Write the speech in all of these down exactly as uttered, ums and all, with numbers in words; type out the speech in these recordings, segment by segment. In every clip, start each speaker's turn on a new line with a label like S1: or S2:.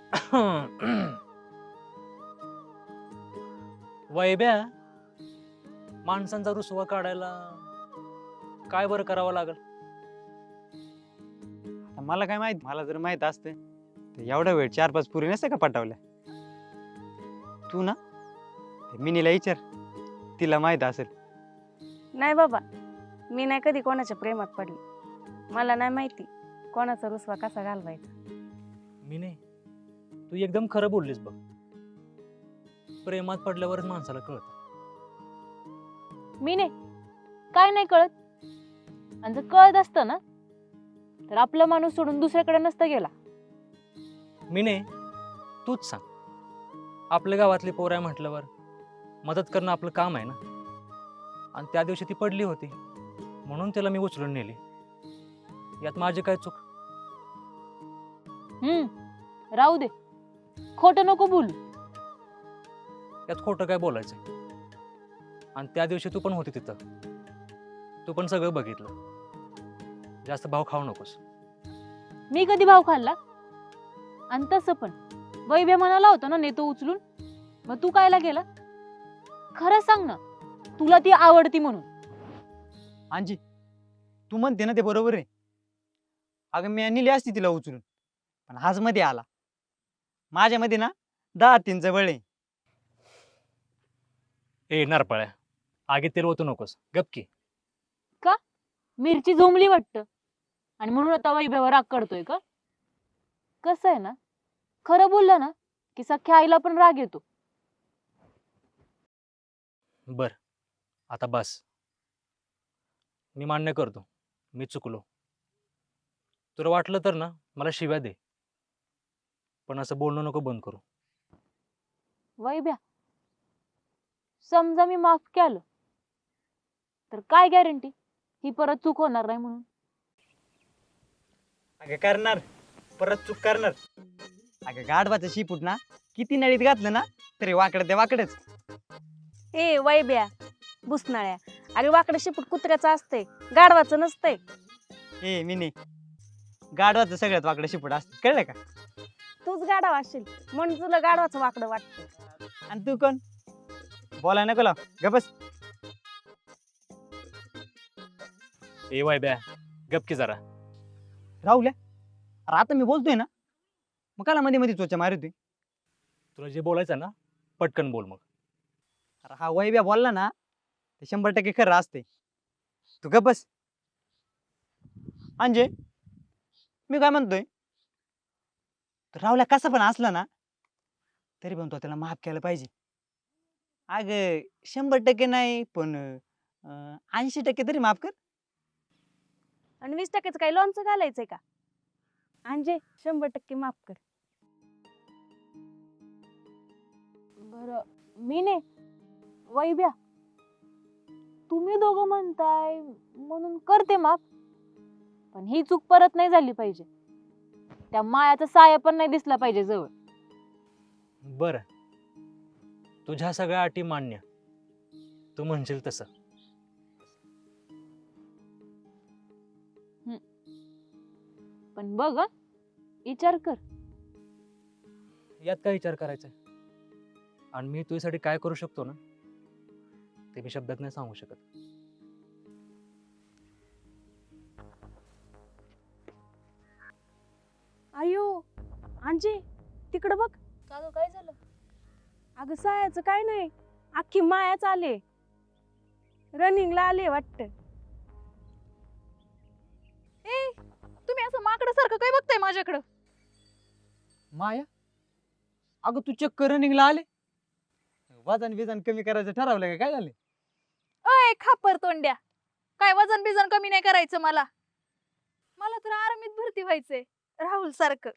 S1: वैब्या, माणसांचा रुसवा काढायला काय बरं करावं लागल?
S2: आता मला काय माहित, मला जर माहित असते तर एवढा वेळ चार पाच पुरी नसते का पटवल्या. तू ना ते मिनीला विचार, तिला माहित असेल.
S3: नाही बाबा, मी नाही कधी कोणाच्या प्रेमात पडली. मला नाही माहिती कोणाचा रुसवा कसा घालवायचा.
S1: मी नाही, तू एकदम खरं बोललीस बघ. प्रेमात पडल्यावरच माणसाला कळत.
S4: मी नाही, काय नाही कळत. आणि जर कळत असतं ना तर आपला माणूस सोडून दुसऱ्याकडे नसता गेला.
S1: मी नाही, तूच सांग. आपल्या गावातली पोर आहे म्हटल्यावर मदत करणं आपलं काम आहे ना. आणि त्या दिवशी ती पडली होती म्हणून तिला मी उचलून नेली. यात माझी काय चूक?
S4: हम्म राहू दे, खोटं नको बोलू.
S1: यात खोटं काय बोलायचंय? आणि त्या दिवशी तू पण होती तिथं, तू पण सगळं बघितलं. जास्त भाव खाऊ नकोस.
S4: मी कधी भाव खाल्ला? आणि तसं पण वैभ्या म्हणाला होता ना नेतो उचलून, मग तू कायला गेला? खरं सांग ना, तुला ती आवडती म्हणून.
S2: अंजी, तू म्हणते ना ते बरोबर आहे. अगं मी नेली असती तिला उचलून, पण आज मध्ये आला. माझ्यामध्ये ना दहा तीनचं बळ आहे.
S1: ए नारपळ्या, आगीत तेल ओतू नकोस, गपकी.
S4: मिरची झोंबली वाटतं आणि म्हणून आता वैभ्यावर राग करतोय का? कसं आहे ना, खरं बोललं ना की सख्या आईला पण राग येतो.
S1: बर, आता बस. मी मान्य करतो, मी चुकलो. तुला वाटलं तर ना मला शिव्या दे, पण असं बोलणं नको बंद करू.
S4: वैभ्या, समजा मी माफ केलं तर काय गॅरंटी ही परत चूक होणार नाही म्हणून?
S2: अगं करणार, परत चूक करणार. अगं गाढवाचं शिपूट ना किती नळीत घातलं ना तरी वाकडं ते वाकडच.
S3: ए वैब्या, बुसनाळ्या, अरे वाकडं शिपूट कुत्र्याचं असतंय, गाढवाचं नसतंय.
S2: ए मिनी, गाढवाचं सगळ्यात वाकडं शिपूट असतं, कळलं का?
S3: तूच गाढव असशील म्हणून तुला गाढवाचं वाकडं वाटतं.
S2: आणि तू कोण? बोलाय नको लाव, ग बस.
S1: ए वैब्या, गपकी जरा.
S2: राहुल्या, अरे आता मी बोलतोय ना, मग काला मध्ये मध्ये चोचा मारतोय.
S1: तुला जे बोलायचं ना पटकन बोल. मग
S2: अरे हा वैब्या बोलला ना ते शंभर टक्के खरं असते. तू गप बस. अंजे, मी काय म्हणतोय, राहुल्या कसा पण असला ना तरी पण तो त्याला माफ केलं पाहिजे. अग शंभर टक्के नाही पण ऐंशी टक्के तरी माफ कर.
S3: आणि वीस टक्क्याचं काही लोणचं घालायचंय का? अंजे, शंभर टक्के माफ कर.
S4: बर, मी नाही, वैभ्या, तुम्ही दोघं म्हणताय म्हणून करते माफ. पण ही चूक परत नाही झाली पाहिजे. त्या मायाचा साया पण नाही दिसला पाहिजे जवळ.
S1: बर, तुझ्या सगळ्या अटी मान्य, तू म्हणशील तसं.
S4: पण बघ हं, विचार कर.
S1: यात काय विचार करायचा? आणि मी तुझ्यासाठी काय करू शकतो ना ते मी शब्दात नाही सांगू शकत.
S3: अयो अंजे, तिकडं बघ.
S4: का गं, काय झालं?
S3: अगं सायाचं काय नाही, अख्खी मायाच आले, रनिंगला आले वाटत.
S5: ए, तुम्ही असं माकडासारखं काय बघताय माझ्याकडं?
S2: माया, अगं तू चक्क रनिंगला आले, वजन बिजन कमी करायचं ठरवलं का? काय झालं?
S5: अय खापर तोंड्या, काय वजन बिजन कमी नाही करायचं मला. मला तर आर्मीत भरती व्हायचंय राहुल सारखं.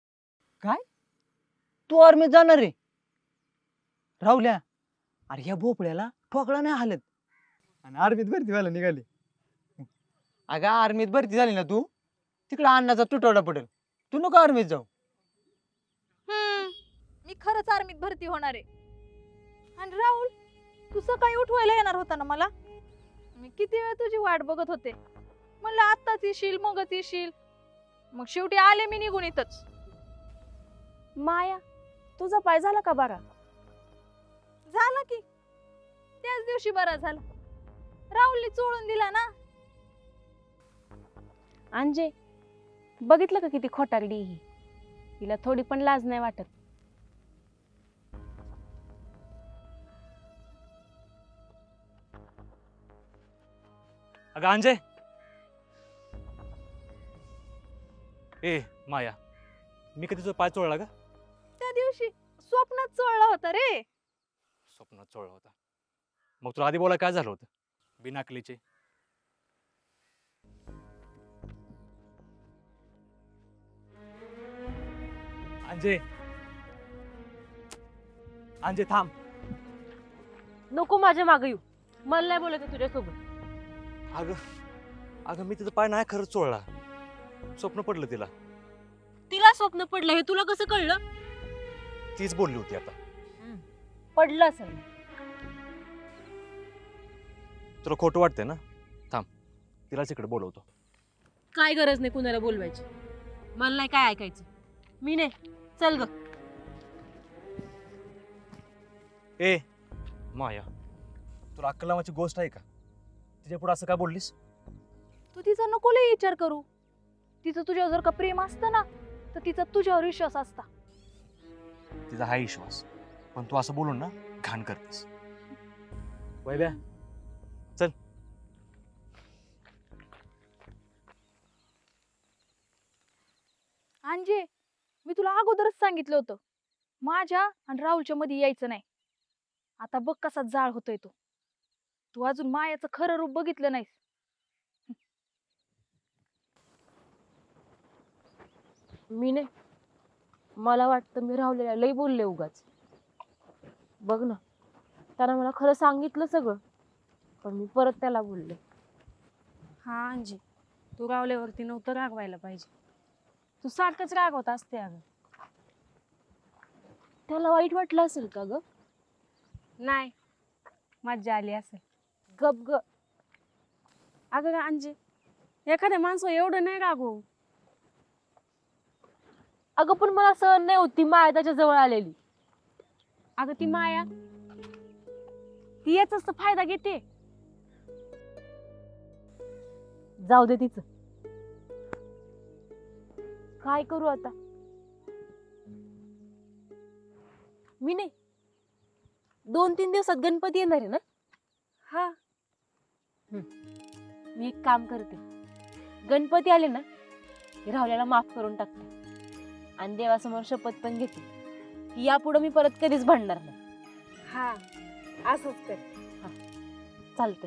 S2: तू आर्मीत जाणार रे? राहुल्या, अरे ह्या भोपळ्याला ठोकळा नाही हालत आणि आर्मीत भरती व्हायला निघाली. अगं आर्मीत भरती झाली ना तू, तिकडे अन्नाचा तुटवडा पडेल. तू नको आर्मीत जाऊ.
S5: हम्म, मी खरंच आर्मीत भरती होणार आहे. आणि राहुल, तू सकाळी उठवायला येणार होता ना मला. मी किती वेळ तुझी वाट बघत होते. म्हणलं आत्ताच येशील मगच येशील. मग शेवटी आले मी निघून इथंच.
S3: माया तुझा पाय झाला का बरा?
S5: झाला की त्याच दिवशी बरा झाला. राहुलने चोळून दिला ना.
S3: अंजे बघितलं का किती खोटारडी ही? तिला थोडी पण लाज नाही वाटत.
S1: अगं अंजे, ए माया, मी कधी तुझा पाय चोळला का?
S5: त्या दिवशी स्वप्नात चोळला होता रे.
S1: स्वप्नात चोळला होता. मग तुला आधी बोला काय झालं होतं बिनाकलीचे? अंजे, अंजे थांब.
S4: नको माझ्या मागे येऊ. मला नाही बोलायचं तुझ्यासोबत.
S1: अगं अगं मी तिचा पाय नाही खरंच चोळला. स्वप्न पडलं तिला.
S4: तिला स्वप्न पडलं हे तुला कसं कळलं?
S1: तीच बोलली होती आता.
S4: पडलं असेल.
S1: तुला खोटं वाटतंय ना? थांब, तिलाच इकडे बोलवतो.
S4: काय गरज नाही कुणाला बोलवायची. मला नाही काय ऐकायचं. मी नाही. चल ग.
S1: ए माया, तुला अक्कल नावाची गोष्ट आहे का? तिच्या पुढे असं काय बोललीस?
S5: तू तिचा नको लय विचार करू. तिचं तुझ्यावर जर का प्रेम असतं ना तर तिचा तुझ्यावर विश्वास असता.
S1: तिचा हा विश्वास, पण तू असं बोलून ना घाण करतेस. वैभ्या चल.
S5: अंजे मी तुला अगोदरच सांगितलं होतं माझ्या आणि राहुलच्या मध्ये यायचं नाही. आता बघ कसा जाळ होतोय तो. तू अजून मायाचं खरं रूप बघितलं नाहीस.
S4: मी नाही. मला वाटतं मी राहुलेला लई बोलले उगाच. बघ ना, त्यानं मला खरं सांगितलं सगळं, पण मी परत त्याला बोलले.
S3: हा अंजी, तू रावल्यावरती नव्हतं रागवायला पाहिजे. तू सारखंच रागवत असते अगं.
S4: त्याला वाईट वाटलं असेल का ग?
S3: नाही, मज्जा आली असेल.
S4: गप ग.
S3: अगं अंजी, एखाद्या माणसं एवढं नाही रागवू.
S4: अगं पण मला सहन नाही होती माया त्याच्या जवळ आलेली.
S3: अगं ती माया ती याचाच तर फायदा घेते.
S4: जाऊ दे तिचं. काय करू आता? मी नाही. दोन तीन दिवसात गणपती येणार आहे ना?
S3: हा,
S4: मी एक काम करते. गणपती आले ना की राहुल्याला माफ करून टाकते आणि देवासमोर शपथ पण घेते की यापुढे मी परत कधीच भांडणार नाही.
S3: हा, असंच कर.
S4: चालतंय.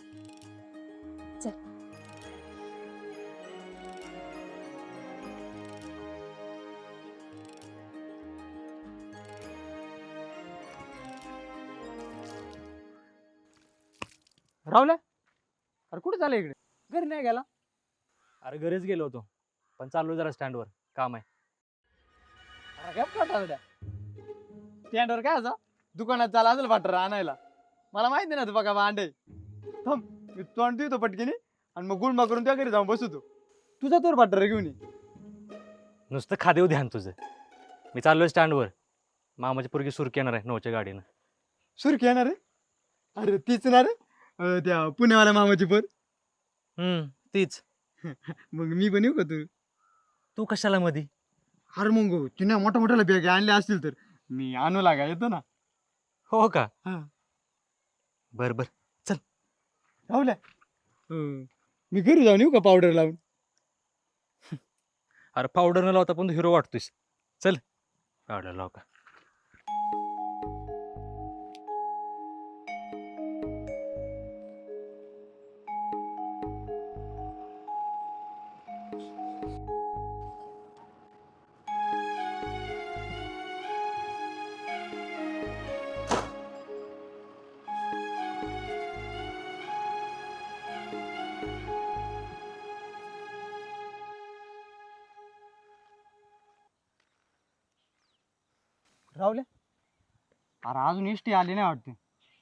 S2: राहुल्या, अरे कुठे झालं इकडे? घरी नाही गेला?
S1: अरे घरीच गेलो होतो, पण चाललो जरा स्टँडवर, काम आहे.
S2: अरे काय पटावड्या स्टँडवर काय असा दुकानात चाला असेल वाटर आणायला. मला माहिती ना तू बघा भांडे. थांब मी तोंड देतो पटकीने आणि मग गुळमा करून त्या घरी जाऊन बसतो. तुझा तोर वाटर घेऊन ये.
S1: नुसतं खादेव ध्यान तुझं. मी चाललोय स्टँडवर. मामाची पोरगी सुरकी येणार आहे नऊच्या गाडीनं.
S2: सुरखी येणार रे? अरे तीच ना रे, अं, त्या पुण्यावाल्या मामाची पोर.
S1: हम्म, तीच.
S2: मग मी पण येऊ का तू?
S1: तू कशाला मधी?
S2: अरे मग तिने मोठ्या मोठ्याला बॅग आणल्या असतील तर मी आणू लागा येतो ना.
S1: हो का?
S2: हा.
S1: बर बर.
S2: राहुल्या, अं, मी घरी जाऊन येऊ का पावडर लावून?
S1: अरे पावडर न लावता पण तू हिरो वाटतोयस. चल पावडर लाव का.
S2: राहुल्या, अरे अजून एसटी आली नाही वाटते.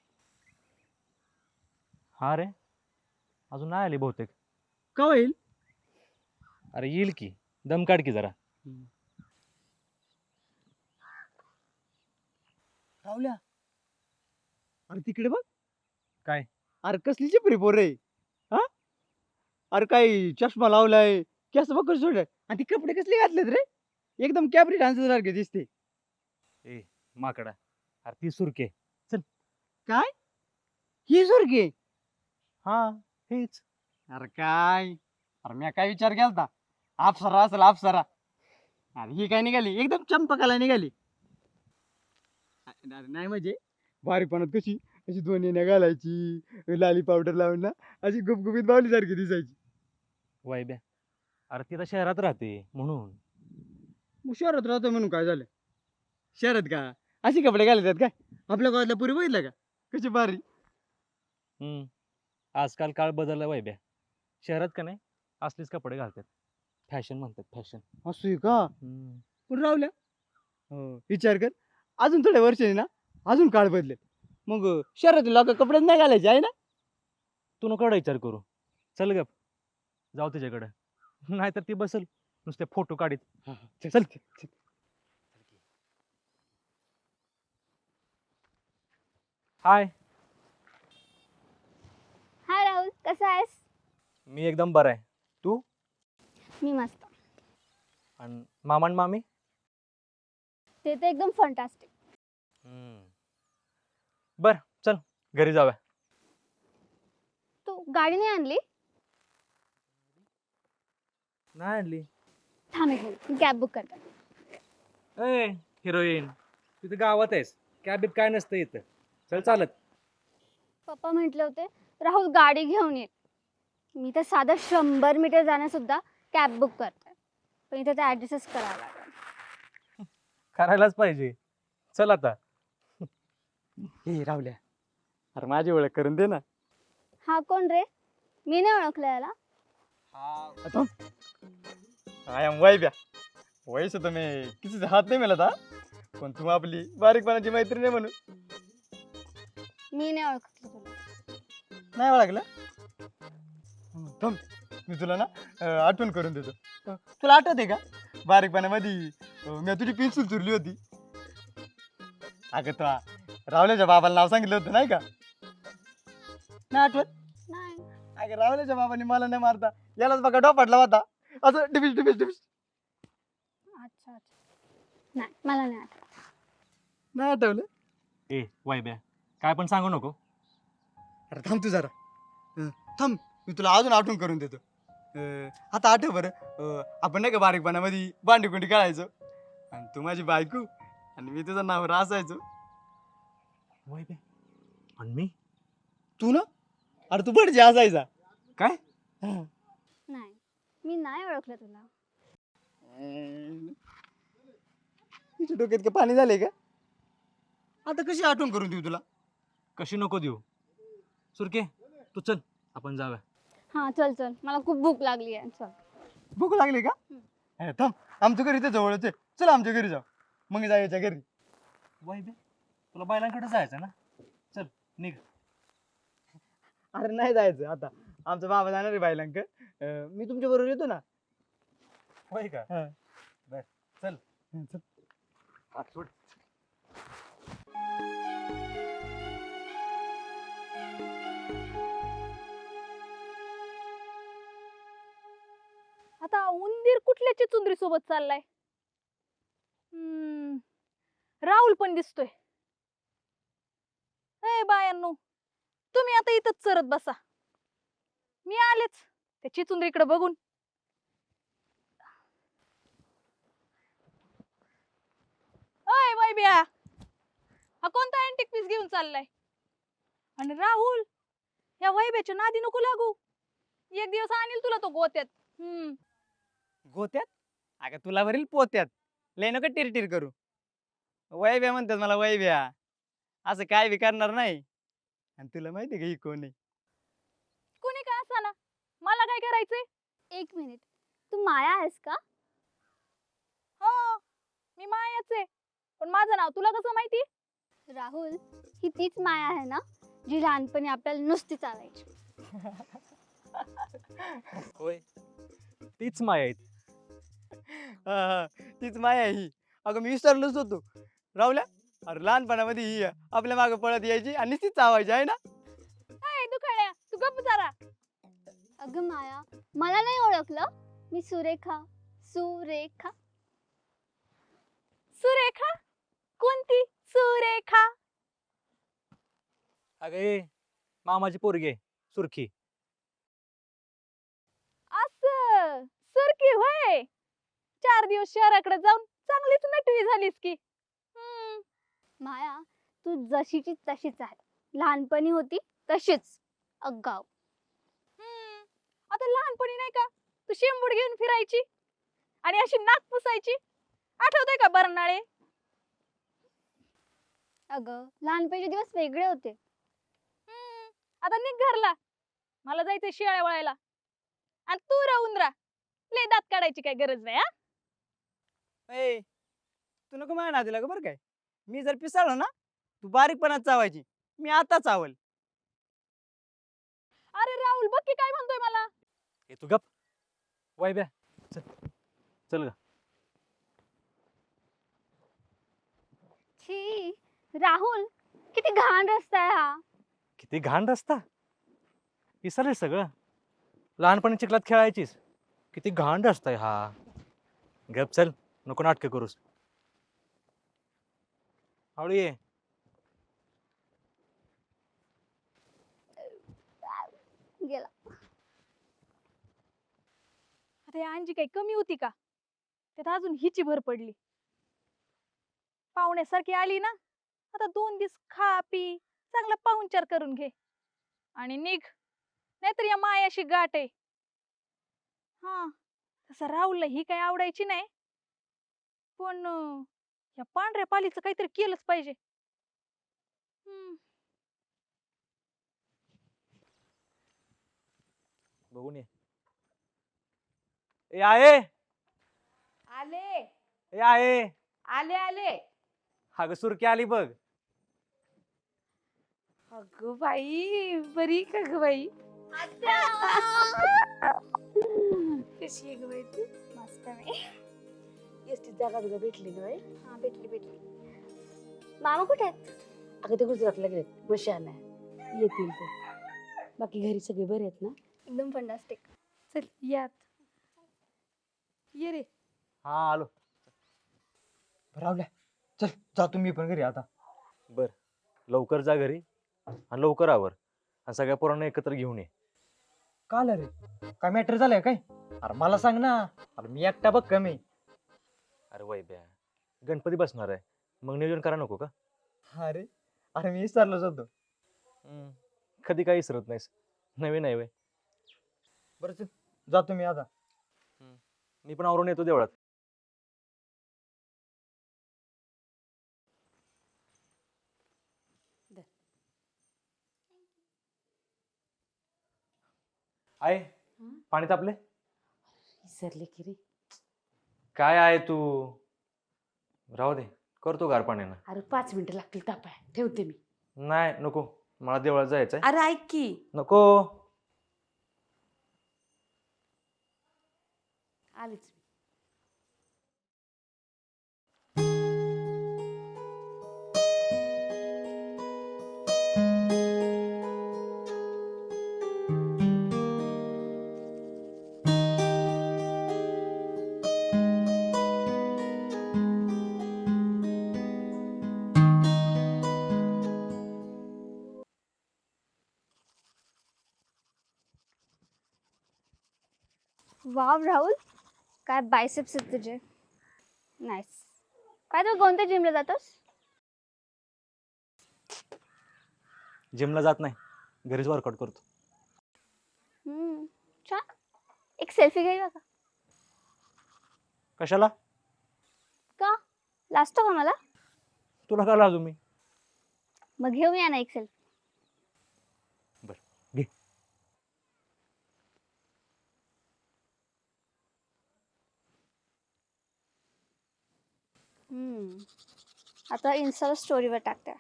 S1: हा रे, अजून नाही आली बहुतेक.
S2: का होईल?
S1: अरे येईल की, दम काढ की जरा.
S2: राहुल्या अरे तिकडे बघ.
S1: काय?
S2: अरे कसली चिपरी पोर रे. हा अरे काय चष्मा लावलाय, केस बघ कसं सोडलाय आणि ती कपडे कसले घातलेत रे, एकदम कॅबरी डान्सर सारखे दिसते.
S1: ए माकडा, अरे ती सुरके.
S2: काय ही सुरके?
S1: हा हेच.
S2: अरे काय, अरे मी काय विचार केलता अप्सरा असेल अप्सरा. अरे ही काय निघाली एकदम चंपकाला निघाली. अरे नाही म्हणजे बारीकपणात कशी अशी दोन येण्या घालायची, लाली पावडर लावून ना अशी गुबगुबीत बावली सारखी दिसायची.
S1: वैब्या, अरे ती आता शहरात राहते म्हणून.
S2: मग शहरात राहतो म्हणून काय झालं? शहरात का अशी कपडे घालतात काय? आपल्या गावातल्या पुरी बघितलं का कशी भारी.
S1: हम्म आजकाल काळ बदलला वैब्या. शहरात का नाही असलीच कपडे घालतात, फॅशन म्हणतात फॅशन.
S2: असू का? पण राहुल्या हो विचार कर, अजून थोड्या वर्षांनी ना अजून काळ बदलेल, मग शहरातील लोक कपडे नाही घालायचे आहे ना.
S1: तू नको एवढा विचार करू. चल गप जाऊ त्याच्याकडे, नाहीतर ती बसल नुसते फोटो काढीत.
S2: चल
S1: हाय,
S6: हाय राहुल, कसा आहेस?
S1: मी एकदम बरा आहे. तू?
S6: मी मस्त.
S1: आणि मामा आणि मामी?
S6: ते तर एकदम फंटास्टिक.
S1: बर चल घरी जाऊया.
S6: तू गाडी नाही आणली?
S1: नाही आणली.
S6: थांब एक मिनिट, मी कॅब बुक करते.
S1: ए हिरोईन, तिथे गावात आहेस, कॅबीत काय नसतं इथं. चल चालत.
S6: पप्पा म्हटले होते राहुल गाडी घेऊन ये. मी तर साधं शंभर मीटर जाण्यासुद्धा कॅब बुक करते, पण इथे तर ॲडजस्टच करावं लागेल.
S1: करायलाच पाहिजे. चल आता.
S2: हे राहुल्या, अरे माझी ओळख करून दे ना.
S6: हा कोण रे? मी नाही ओळखलं याला.
S2: I am Vaibya. वयस तुम्ही किसी हात नाही मिळत हा, पण तू आपली बारीकपणाची मैत्रीण आहे म्हणून.
S6: मी नाही ओळखलं तुला.
S2: नाही ओळखलं? थांब मी तुला ना अं, आठवण करून देतो. अं, तुला आठवते का बारीकपणामध्ये अं, मी तुझी पेन्सिल चुरली होती. अगं तो रावल्याच्या बाबाला नाव सांगितलं होतं नाही का? नाही आठवत?
S6: नाही.
S2: अगं रावल्याच्या बाबांनी मला नाही मारता यालाच बघा डोपाटला होता, असं डिबिस डिबिस डिबिस.
S6: अच्छा अच्छा. नाही मला नाही आठवत.
S2: नाही आठवलं?
S1: ए वैब्या, काय पण सांगू नको.
S2: अरे थांब तू जरा. अं, थांब मी तुला अजून आठवण करून देतो. अं, आता आठव बरं, अं, आपण नाही का बारीकपणामध्ये भांडी कुंडी खेळायचो, आणि तू माझी बायको आणि मी तुझं नाव असायचो.
S1: वैब्या आणि मी?
S2: तू ना अरे तू बडजी असायचा.
S1: काय?
S6: नाही मी नाही ओळखलं तुला.
S2: तुझ्या डोक्यात का पाणी झालंय का? आता कशी आठवण करून देऊ तुला?
S1: कशी नको देऊ. सुरके तू चल आपण जाऊया.
S6: हां चल चल, मला खूप भूक लागली आहे. चल.
S2: भूक लागली का? अरे थांब, आमच्या घरी तर जवळच आहे, चल आमच्या घरी जाऊ, मग जायच्या घरी.
S1: वैब्या, तुला बैलांकडे जायचं ना, चल निघ.
S2: अरे नाही जायचं आता, आमचा बाबा जाणार आहे बायलांक. मी तुमच्या बरोबर येतो ना.
S1: होय का?
S2: हा.
S1: बर चल.
S2: हं, चल.
S1: हात सोड.
S5: आता उंदीर कुठल्या चिचुंदरी सोबत चाललाय? हम्म राहुल पण दिसतोय. ए बायांनो, तुम्ही आता इथंच चरत बसा, मी आलेच त्या चिचुंदरीकडे बघून. अय वैब्या, हा कोणता अँटिक पीस घेऊन चाललाय? आणि राहुल, या वैब्याच्या नादी नको लागू, एक दिवस आणील तुला तो गोत्यात. हम्म
S2: गोत्यात? अगं तुला भरील पोत्यात, लय नका टिरटिर करू. वैब्या म्हणतात मला वैब्या, असं काय बी करणार नाही. आणि तुला माहिती आहे का ही कोण आहे?
S5: कुणी काय असा ना, मला काय करायचंय?
S6: एक मिनिट, तू माया आहेस का?
S5: हो मी मायाच आहे, पण माझं नाव तुला कसं माहिती?
S6: राहुल, ही तीच माया आहे ना जी लहानपणी आपल्याला नुसती चालायची.
S1: होय, तीच माया आहे.
S2: हा हा तीच माया आहे ही. अगं मी विसरलोच होतो. राहुल्या, अरे लहानपणामध्ये ही आपल्या मागे पळत यायची आणि ती चावायची आहे ना.
S5: ए दुकाळ्या तू गप्प जरा.
S6: अगं माया, मला नाही ओळखलं? मी सुरेखा. सुरेखा.
S5: सुरेखा? कोणती सुरेखा?
S1: अगं ए मामाची पोरगी आहे सुरखी.
S5: असं सुरकी होय. चार दिवस शहराकडे जाऊन चांगलीच नटवी झालीस की. हम्म.
S6: माया, तू जशीची तशीच आहे. लहानपणी होती तशीच अगाव.
S5: हम्म. आता लहानपणी नाही का तू शेंबूड घेऊन फिरायची आणि अशी नाक पुसायची, आठवतंय का बरनाळे?
S6: अगं लहानपणीचे दिवस वेगळे होते.
S5: हम्म. आता निघ घरला, मला जायचंय शिळ्या वळायला. आणि तू राहून राह, लय दात काढायची काय गरज नाही. हा
S2: ए तू नको माझ्या नादीला ग बरं काय. मी जर पिसाळलो ना तू बारीकपणात चावायची. मी आता चावल.
S5: अरे राहुल बघ की काय म्हणतोय मला.
S1: ए तू गप. वैभ्या चल चल ग.
S6: छी राहुल, किती घाण रस्ता आहे हा.
S1: किती घाण रस्ता. विसरले सगळं. लहानपणी चिखलात खेळायचीस. किती घाण रस्ता आहे हा. गप चल, नको नाटकं करूस. हळू ये.
S6: गेला.
S5: आता या अंजी काही कमी होती का? त्यात अजून हिची भर पडली. पाहुण्यासारखी आली ना, आता दोन दिवस खा पी चांगला पाहुणचार करून घे आणि निघ, नाहीतर या मायाशी गाठ आहे. हा तसं राहुलला ही काही आवडायची नाही, पण अं, या पांढऱ्या पालीचं काहीतरी केलंच पाहिजे. हम्म.
S1: बघून ये. ए आहे.
S3: आले
S1: ए आहे.
S3: आले आले.
S1: अगं सुरकी आली बघ.
S3: अगं बाई बरी का ग बाई? कशी आहे ग बाई तू?
S6: मस्त आहे.
S3: एसटी जागा तुला भेटली ग बाई?
S6: हा भेटली भेटली. मामा कुठे आहेत?
S3: अगं ते गुजरातला गेलेत मशी आणाय, येतील ते. बाकी घरी सगळे बरे आहेत ना?
S6: एकदम फंटास्टिक.
S5: चल यात ये रे.
S1: हा आलो.
S2: राहुल्या चल जातो मी पण घरी आता.
S1: बर लवकर जा घरी आणि लवकर आवर आणि सगळ्या पोरांना एकत्र घेऊन ये.
S2: काल रे काय मॅटर झालंय काय? अरे मला सांग ना. अरे मी एकटा बघ कमी.
S1: अरे वैभ्या गणपती बसणार आहे, मग नियोजन करा नको का?
S2: अरे अरे मी विसरलोच होतो.
S1: हम्म, कधी काही विसरत नाहीस. नवीन आहे वय.
S2: बरं चल जातो मी आता.
S1: मी पण आवरून येतो देवळात. आहे पाणी तापले.
S3: विसरले की रे.
S1: काय आहे तू. राहू दे, करतो गार पाण्यानं.
S3: अरे पाच मिनिटं लागतील तापाय, ठेवते मी.
S1: नाही नको, मला देवळात जायचंय.
S3: अरे ऐक की.
S1: नको.
S3: आलीच मी.
S6: वाव राहुल, काय बायसेप्स आहेत तुझे. नाईस. काय तू कोणत्या जिमला जातोस?
S1: जिमला जात नाही, घरीच वर्कआउट करतो.
S6: हम्म छान. एक सेल्फी घेऊया का?
S1: कशाला?
S6: का लाजतो का मला?
S1: तुला का लाजू मी?
S6: मग घेऊया ना एक सेल्फी.
S1: बर घे.
S6: हम्म आता इन्स्टाला स्टोरीवर टाकते.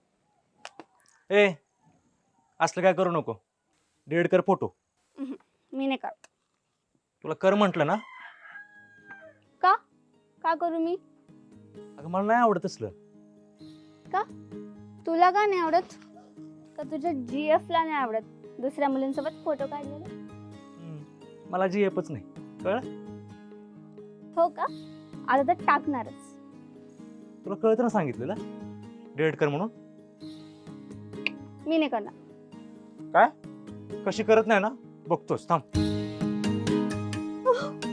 S1: ए असलं काय करू नको. डिलीट कर फोटो.
S6: मी नाही करत.
S1: तुला कर म्हटलं ना.
S6: का का करू मी?
S1: अगं मला नाही आवडत असलं.
S6: का तुला का नाही आवडत का तुझ्या जी एफ ला नाही आवडत दुसऱ्या मुलींसोबत फोटो काढलेले?
S1: हम्म, मला जी एपच नाही कळलं.
S6: हो का? आता तर टाकणारच.
S1: तुला कळतं ना सांगितलेलं डिलीट कर म्हणून.
S6: मी नाही करणार.
S1: कशी करत नाही ना बघतोस थांब.